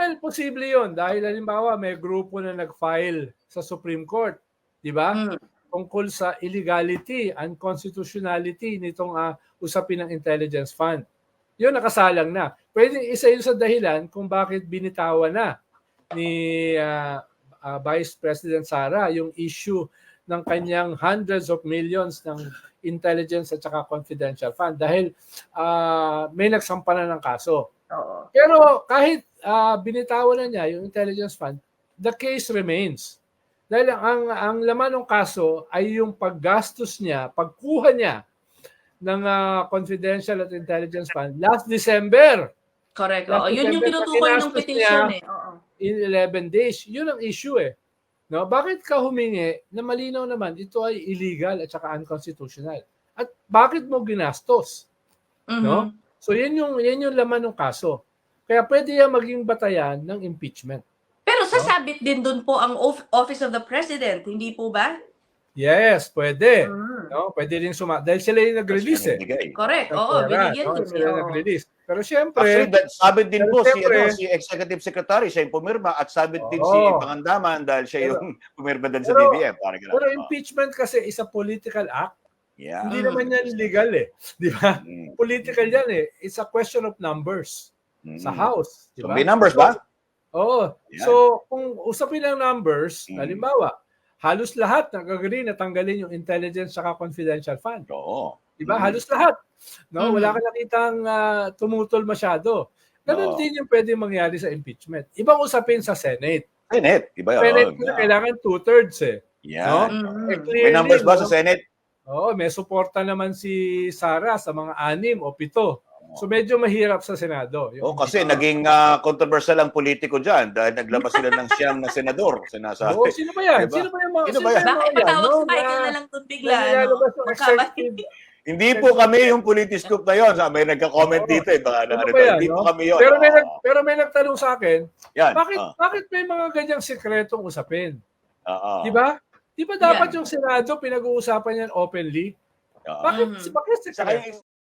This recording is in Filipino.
Well, posible yun dahil halimbawa may grupo na nag-file sa Supreme Court, di ba? Tungkol sa illegality, unconstitutionality nitong usapin ng intelligence fund. Yun nakasalang na. Pwede isa yun sa dahilan kung bakit binitawan na ni Vice President Sara yung issue ng kanyang hundreds of millions ng intelligence at saka confidential fund dahil may nagsampa na ng kaso. Pero kahit binitawan na niya yung intelligence fund, the case remains. Dahil ang laman ng kaso ay yung paggastos niya, pagkuha niya ng confidential at intelligence fund last December. Correct. Yun yung tinutukoy ng petition eh. In 11 days. Yun ang issue eh. No? Bakit ka humingi na malinaw naman ito ay illegal at saka unconstitutional? At bakit mo ginastos? No? So yan yung laman ng kaso. Kaya pwede yan maging batayan ng impeachment. Pero sasabit din doon po ang Office of the President, hindi po ba? Yes, pwede. No? Pwede rin dahil sila yung nag-release eh. Correct. Oo, binigyan din. Sila nag-release. Pero siyempre, actually, sabit din po si Executive Secretary, siya yung pumirma at sabit din si Pangandaman dahil siya yung pumirma din sa BBM. Pero impeachment kasi is a political act. Hindi naman yan legal eh. Di ba? Political yan eh. It's a question of numbers sa House. Di ba? So, may numbers ba? Oo. So, kung usapin ng numbers, halimbawa, halos lahat nag-agree na tanggalin yung intelligence saka confidential fund. Oo. Diba? Halos lahat. No? Wala ka nakitang tumutol masyado. Ganun din yung pwede mangyari sa impeachment. Ibang usapin sa Senate. Senate. Iba yun. Senate kailangan 2/3 eh. Yeah. No? May numbers ba sa Senate? Oo, may suporta naman si Sara sa mga 6 o 7. So medyo mahirap sa Senado. Kasi naging controversial ang politiko dyan dahil naglabas sila ng siyam na senador. Sinasabi. Sino ba yan? Diba? Sino ba yan? Bakit patawag si Michael na lang doon bigla? Hindi po kami yung Politiscoop na yun. May nagka-comment dito eh. Hindi po kami yun. Pero may nagtanong sa akin, yan. Bakit may mga ganyang sikretong usapin? Di ba? Di ba dapat yung Senado pinag-uusapan yan openly? Bakit sikreto?